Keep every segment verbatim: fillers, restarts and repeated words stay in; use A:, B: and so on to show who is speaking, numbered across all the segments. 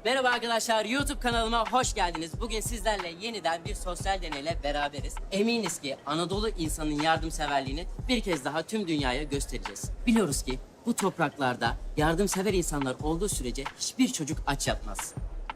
A: Merhaba arkadaşlar, YouTube kanalıma hoş geldiniz. Bugün sizlerle yeniden bir sosyal deneyle beraberiz. Eminiz ki Anadolu insanın yardımseverliğini bir kez daha tüm dünyaya göstereceğiz. Biliyoruz ki bu topraklarda yardımsever insanlar olduğu sürece hiçbir çocuk aç yatmaz.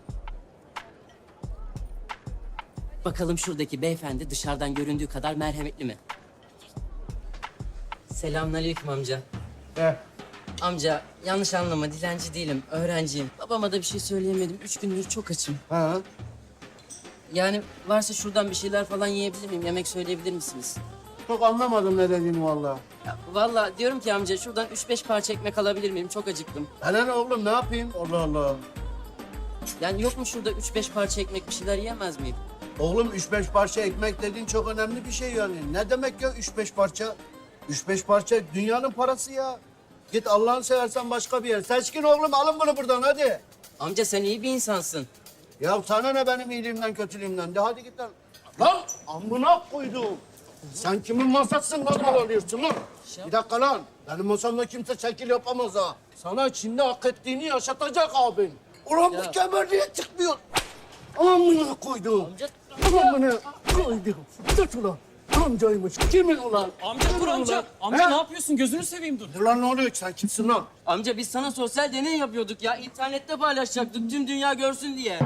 A: Bakalım şuradaki beyefendi dışarıdan göründüğü kadar merhametli mi? Selamünaleyküm amca.
B: Eh,
A: Amca yanlış anlama, dilenci değilim, öğrenciyim. Babama da bir şey söyleyemedim. Üç gündür çok açım.
B: ha.
A: Yani varsa şuradan bir şeyler falan yiyebilir miyim? Yemek söyleyebilir misiniz?
B: Çok anlamadım ne dediğini vallahi.
A: Ya, vallahi diyorum ki amca şuradan üç beş parça ekmek alabilir miyim? Çok acıktım.
B: Hele ne oğlum ne yapayım? Allah Allah.
A: Yani yok mu şurada üç beş parça ekmek bir şeyler yiyemez miyim?
B: Oğlum üç beş parça ekmek dediğin çok önemli bir şey yani. Ne demek ya üç beş parça? Üç beş parça dünyanın parası ya. Git Allah'ını seversen başka bir yer. Seçkin oğlum alın bunu buradan hadi.
A: Amca sen iyi bir insansın.
B: Ya sana ne benim iyiliğimden kötülüğümden? De hadi git lan. Lan amına koydum. Sen kimin masasın lan mal alıyorsun lan? Bir dakika lan. Benim masamda kimse şekil yapamaz ha. Sana içinde hak ettiğini yaşatacak abin. Ulan
A: Ya.
B: bu kemer niye çıkmıyor? Amına koydum.
A: Amca...
B: Amına koydum. Tut ulan. Amcaymış. Kimin ulan?
C: Amca dur
B: Kimin
C: amca.
B: ulan?
C: Amca
B: He?
C: ne yapıyorsun? Gözünü seveyim dur.
B: Dur lan ne oluyor ki sen kimsin lan?
A: Amca biz sana sosyal deney yapıyorduk ya. İnternette paylaşacaktık tüm dünya görsün diye.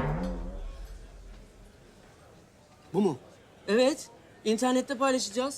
B: Bu mu?
A: Evet, internette paylaşacağız.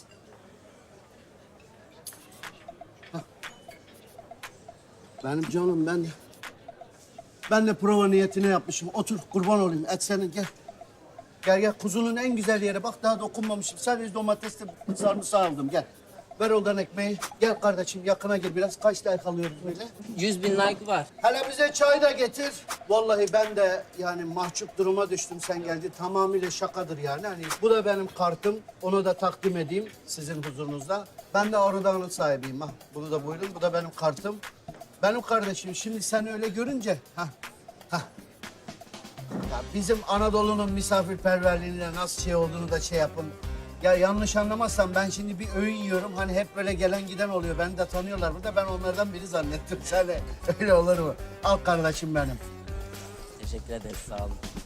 B: Benim canım ben de... Ben de prova niyetine yapmışım. Otur kurban olayım. Et senin gel. Gel gel kuzunun en güzel yeri. Bak daha dokunmamışım. Sadece domatesle sarımsağı aldım. Gel. Ver oradan ekmeği. Gel kardeşim yakına gel biraz. Kaç like alıyoruz böyle?
A: Yüz bin like var.
B: Hele bize çay da getir. Vallahi ben de yani mahcup duruma düştüm sen geldi. Tamamıyla şakadır yani. Hani bu da benim kartım. Onu da takdim edeyim sizin huzurunuzda. Ben de Arıdağ'ın sahibiyim. Ha. Bunu da buyurun. Bu da benim kartım. Benim kardeşim şimdi sen öyle görünce... Ha, ha. Ya bizim Anadolu'nun misafirperverliğine nasıl şey olduğunu da şey yapın. Ya yanlış anlamazsan ben şimdi bir öğün yiyorum. Hani hep böyle gelen giden oluyor. Beni de tanıyorlar burada. Ben onlardan biri zannettim. Sen de öyle olur mu? Al kardeşim benim.
A: Teşekkür ederiz, sağ olun.